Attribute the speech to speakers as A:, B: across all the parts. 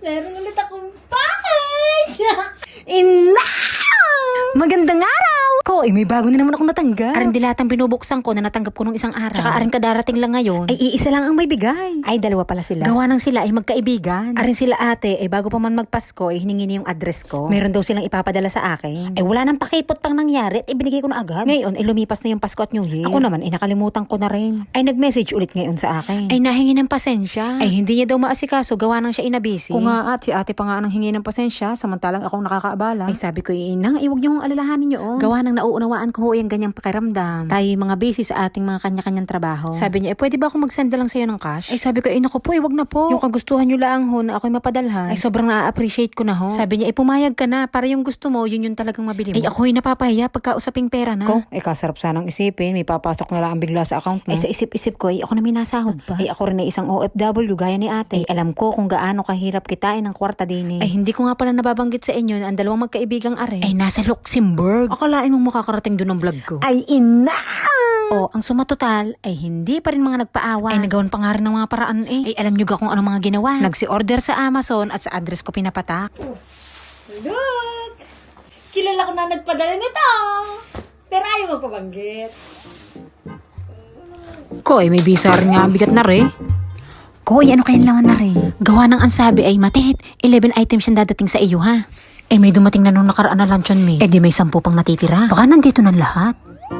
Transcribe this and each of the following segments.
A: Meron ulit akong package! Ina!
B: Magandang araw! Ko, may bago na naman akong natanggap. Aring dilatang binubuksan ko na natanggap ko nung isang araw. Tsaka aring kadarating lang ngayon. Ay, iisa lang ang may bigay. Ay, dalawa pala sila. Gawa nang sila ay magkaibigan. Aring sila ate, ay bago pa man magpasko, ay hiningi niya yung address ko. Meron daw silang ipapadala sa akin. Ay, wala nang pakipot pang nangyari at ibinigay ko na agad. Ngayon, ay lumipas na yung Pasko at New Year. Ako naman, ay nakalimutan ko na rin. Ay, nag-message ulit ngayon sa akin. Ay, nahingi ng pasensya. Ay, hindi niya daw maasikaso, gawa nang siya inabisi. Kung nga at si ate pa nga nang hingi ng pasensya, samantalang akong nakakaabala. Ay, sabi ko, inang, iwag niyo kong alalahanin niyo. Gawa nang nauunawaan ko ho yung ganyang pakiramdam. Tayo mga busy sa ating mga kanya-kanyang trabaho. Sabi niya, pwede ba ako mag-send lang sa'yo ng cash? Ay, sabi ko, naku po, wag na po. Yung kagustuhan niyo lang ho na ako'y mapadalhan. Ay, sobrang na-appreciate ko na ho. Sabi niya, pumayag ka na, para yung gusto mo, yun yung talagang mabili mo. Ay, ako'y napapahiya pagkausaping pera na. Ko, kasarap sanang isipin, may papasok na lang bigla sa account mo. Ay, sa isip-isip ko, ako na may nasahod pa. Ay, ako rin ay isang OFW, gaya ni ate. Ay, alam ko kung gaano kahirap kitain ng kwarta din. Ay, hindi ko nga pala nababanggit sa inyo na ang dalawang magkaibigang are ay nasa Luxembourg. Akalain mong makakarating doon ang vlog ko. Ay, ina! O, ang sumatotal ay hindi pa rin mga nagpaawa. Ay, nagawan pa nga rin ng mga paraan eh. Ay, alam nyo ga kung ano mga ginawa. Nagsi-order sa Amazon at sa address ko pinapatak.
A: Look! Kilala ko na nagpadala nito! Pero ayaw mo pabanggit.
B: Ko, may visa rin nga, bigat na rin. Ko, ano kayang laman na rin? Gawa ng ansabi ay matihit. 11 items yung dadating sa iyo ha. Eh, may dumating na nung nakaraan na luncheon meat. Eh, di may 10 pang natitira. Baka nandito ng lahat.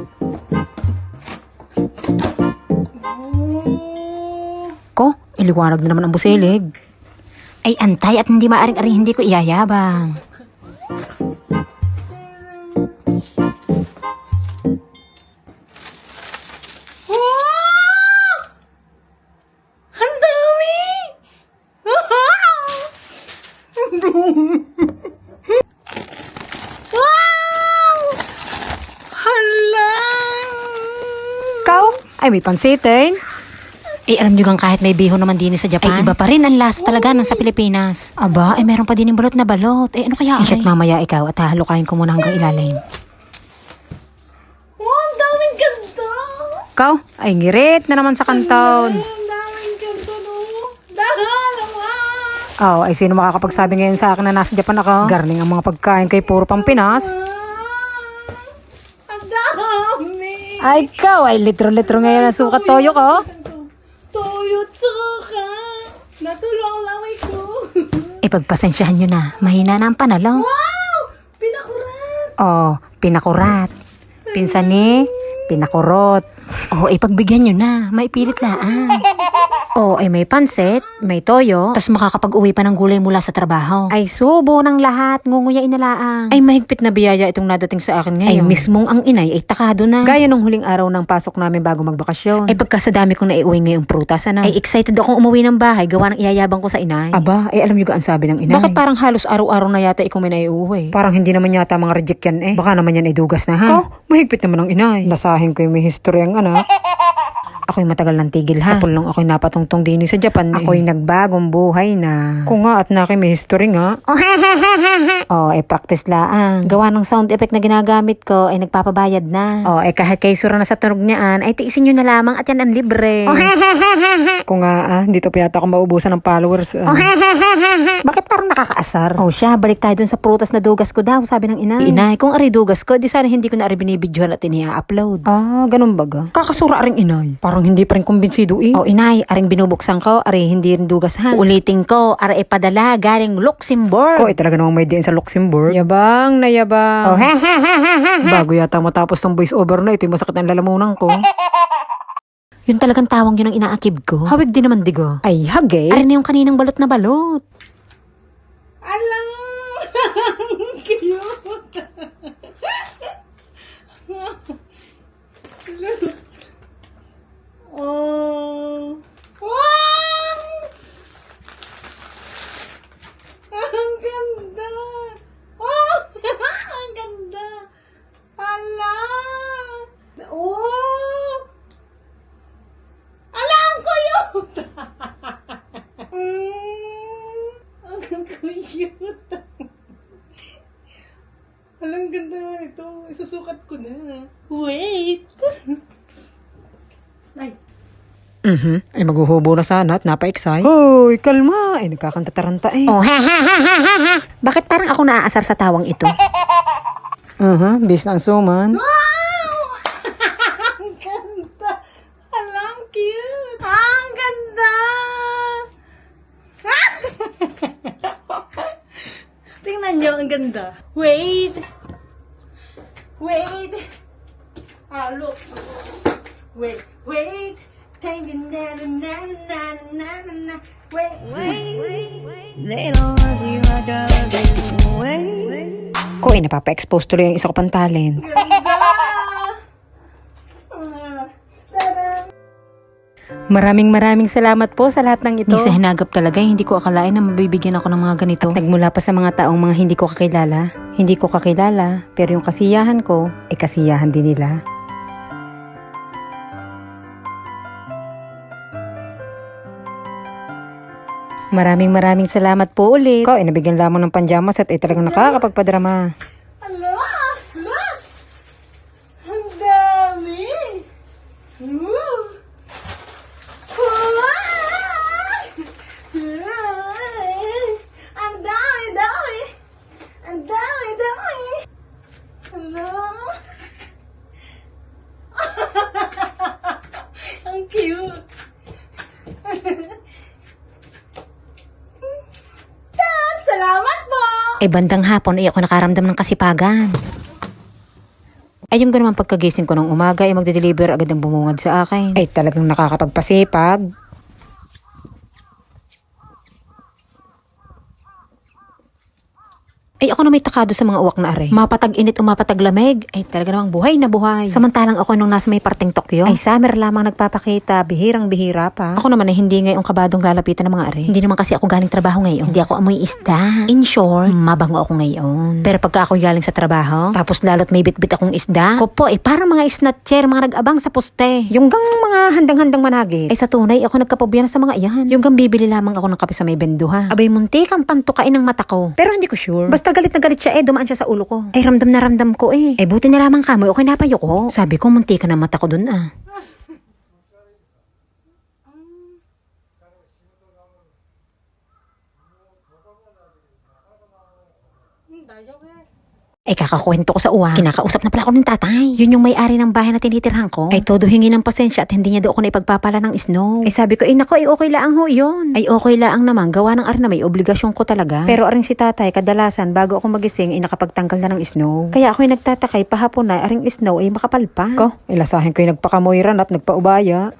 B: Ko, iliwanag na naman ang busilig. Ay, antay at hindi maaring-aring hindi ko iyayabang.
A: Wow! Ang dami! Wow! Hala!
B: Ikaw? Ay, may pansitin. Eh, alam nyo gang kahit may bihon naman din sa Japan, ay iba pa rin ang lasa talaga ng sa Pilipinas. Aba, ay meron pa din yung balot na balot. Eh, ano kaya? Check mamaya ikaw at halukayin ko muna hanggang ilalim.
A: Wow, ang daming ganda!
B: Ikaw? Ay, ngirit na naman sa kanton.
A: Ang daming ganda, no? Dahil naman!
B: Oh, ay sino makakapagsabi ngayon sa akin na nasa Japan ako? Garning ang mga pagkain kay puro pang Pinas.
A: Ang dami!
B: Ay, ikaw, ay litro-litro ngayon ang sukat toyo ko.
A: Toyo tsuka! Natulo ang laway ko!
B: Eh, pagpasensyahan nyo na, mahina na ang panalo.
A: Wow! Pinakurat!
B: Oh, pinakurat. Pinsan ni, pinakurot. Oh, eh, pagbigyan nyo na, maipilit laan. Oh, ay may pansit, may toyo, tas makakapag-uwi pa ng gulay mula sa trabaho. Ay, subo ng lahat, ngunguyain na laang. Ay, mahigpit na biyaya itong nadating sa akin ngayon. Ay, mismong ang inay ay takado na. Gaya nung huling araw ng pasok namin bago magbakasyon. Ay, pagka sa dami kong naiuwi ngayong prutas, ano? Ay, excited akong umuwi ng bahay, gawa ng iyayabang ko sa inay. Aba, ay alam nyo ga ang sabi ng inay? Bakit parang halos araw-araw na yata ikaw may naiuwi? Parang hindi naman yata mga reject yan eh. Baka naman yan ay dugas na ha? Oh, mahigpit naman ang inay. Nasahin ko yung may history ang anak. Ako'y matagal ng tigil ha. Sa pulong ako'y napatungtong din sa Japan. Ako'y nagbagong buhay na. Kung nga at naki may history nga. Oh, practice laang. Gawa ng sound effect na ginagamit ko ay nagpapabayad na. Oh, kahit kay sura na sa tunog niyaan ay tiisin nyo na lamang at yan ang libre. Kung nga dito pa yata ako maubusan ng followers. Bakit parang nakakaasar? Oh, siya, balik tayo dun sa prutas na dugas ko daw, sabi ng inay. Inay, kung ari dugas ko, di sana hindi ko na ari binibidyohan at inia-upload. Ah, ganun baga? Kakasura aring inay. Parang hindi pa rin kumbinsido eh. Oh, inay, aring binubuksan ko, ari hindi rin dugas ha. Ulitin ko, ari ipadala galing Luxembourg. Ko, talaga namang may diin sa Luxembourg. Yabang na yabang. Oh, bago yata matapos ng voice over na ito, masakit ang lalamunan ko. Yun talagang tawang yun ang inaakib ko. Hawig din naman digo. Ay, hagay. Ari na yung kaninang balot na balot.
A: Alang! Cute! Oh! Wow! Ang ganda! Oh! Ang ganda! Ala! Oh! Ala, ang cute! Ang cute! Alang ganda nga ito. Isusukat ko na. Wait! Ay!
B: Ay maghuhubo na sana at napa-excite. Hoy, kalma. Ay nagkakanta-taranta eh. Oh, ha ha ha ha ha ha. Bakit parang ako naaasar sa tawang ito? Bis na ang suman.
A: Wow! Ang ganda! Alang cute! Ang ganda! Tingnan nyo, ang ganda. Wait! Wait! Ah, look! Wait! Wait! Wait!
C: They don't love you like I do. Wait.
B: Ko ay napapa-expose tuloy ang isa ko pang talent.
A: Ganda!
B: Maraming salamat po sa lahat ng ito. Sa hinagap talaga, hindi ko akalain na mabibigyan ako ng mga ganito. At nagmula pa sa mga taong mga hindi ko kakilala. Hindi ko kakilala, pero yung kasiyahan ko, ay kasiyahan din nila. Maraming salamat po ulit. Ko ay nabigyan lamang ng panjamas at ay talagang nakakapagpadrama.
A: Ala! Look! Ang dami! Woo! Ang dami! Ang dami! Hello? Ang cute! Salamat po!
B: Ay bandang hapon ay ako nakaramdam ng kasipagan. Ay yung ganun pagkagising ko ng umaga ay magde-deliver agad ang bumungad sa akin. Ay talagang nakakapagpasipag. Ay ako na may takado sa mga uwak na are. Mapatag init o mapatag lamig. Ay talaga namang buhay na buhay. Samantalang ako nung nasa may parteng Tokyo. Ay summer lamang nagpapakita. Bihirang bihira pa. Ako naman ay hindi ngayong kabadong lalapitan ng mga are. Hindi naman kasi ako galing trabaho ngayon. Hindi ako amoy isda. In short, mabango ako ngayon. Pero pagka ako galing sa trabaho, tapos lalo't may bitbit akong isda. Ko po ay parang mga snatcher, mga nag-abang sa poste. Yung gang mga handang-handang managit. Ay sa tunay ako nagkapobya na sa mga iyan. Yung gang bibili lamang ako ng kape sa may benduha. Abay muntik ang pantukain ng mata ko. Pero hindi ko sure. Basta galit na galit siya dumaan siya sa ulo ko. Ay ramdam na ramdam ko eh. Ay buti na lamang kamoy, okay napayo ko. Sabi ko munti ka na mata ko dun ah. Ay kakakwento ko sa uwa. Kinakausap na pala ako ng tatay. Yun yung may-ari ng bahay na tinitirhan ko. Ay todo hingi ng pasensya at hindi niya daw ako naipagpapala ng snow. Ay sabi ko, nako, ay okay lang ho yun. Ay okay lang naman, gawa ng na may obligasyon ko talaga. Pero aring si tatay, kadalasan bago ako magising ay nakapagtanggal na ng snow. Kaya ako'y nagtatakay pahapon na aring snow ay makapal pa. Ko, ilasahin ko'y nagpakamoyran at nagpaubaya.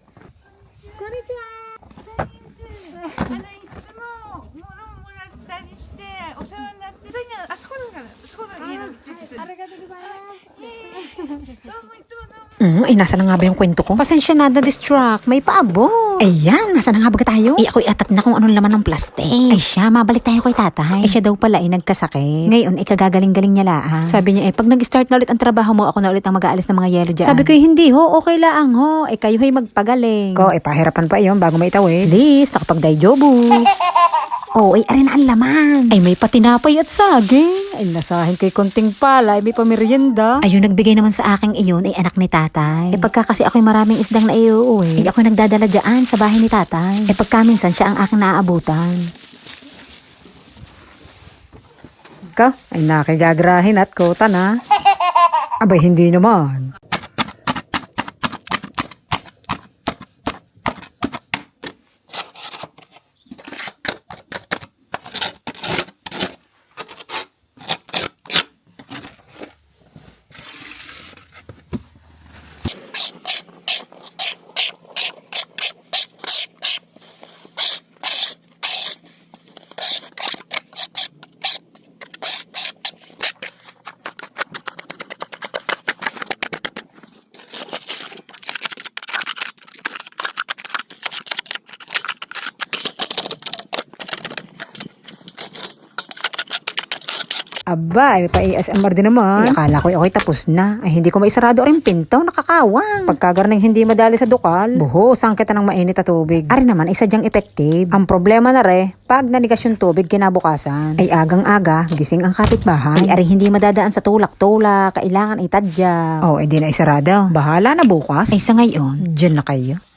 B: Ay, nasa na nga ba yung kwento ko? Pasensya na, na-distract. May paabot. Ayan, nasa na nga ba tayo? Ay, ako'y atat na kung anong laman ng plastic. Ay, siya, mabalik tayo kay tatay. Ay, siya daw pala ay nagkasakit. Ngayon, ay kagagaling-galing niya laang. Sabi niya, pag nag-start na ulit ang trabaho mo, ako na ulit ang mag-aalis ng mga yelo dyan. Sabi ko, hindi ho, okay laang ho. Ay, kayo ho'y magpagaling. Ko, pahirapan pa iyon bago maitawid. Please, nakapag-dayjobu. Oh, ay arin ang laman. Ay may patinapay at saging. Ay nasahin kay konting pala, ay may pamerienda. Ayun nagbigay naman sa aking iyon ay anak ni tatay. Pagka kasi ako'y maraming isdang na iuuwi, ay ako'y nagdadala dyan sa bahay ni tatay. Pagka minsan siya ang aking naaabutan. Ka, ay nakigagrahin at kota na. Abay hindi naman. Aba, ay pa-ASMR din naman. Ay, akala ko ako'y tapos na. Ay, hindi ko maisarado rin pinto, nakakawang. Pagkagarning hindi madali sa dukal, buho, sangkita ng mainit na tubig. Ari naman, isa dyang effective. Ang problema na pag nanigas yung tubig kinabukasan, ay agang-aga, gising ang kapitbahay. Ay, ari hindi madadaan sa tulak-tulak, kailangan itadya. Oh, edi na isarado. Bahala na bukas. Ay, sa ngayon, dyan na kayo.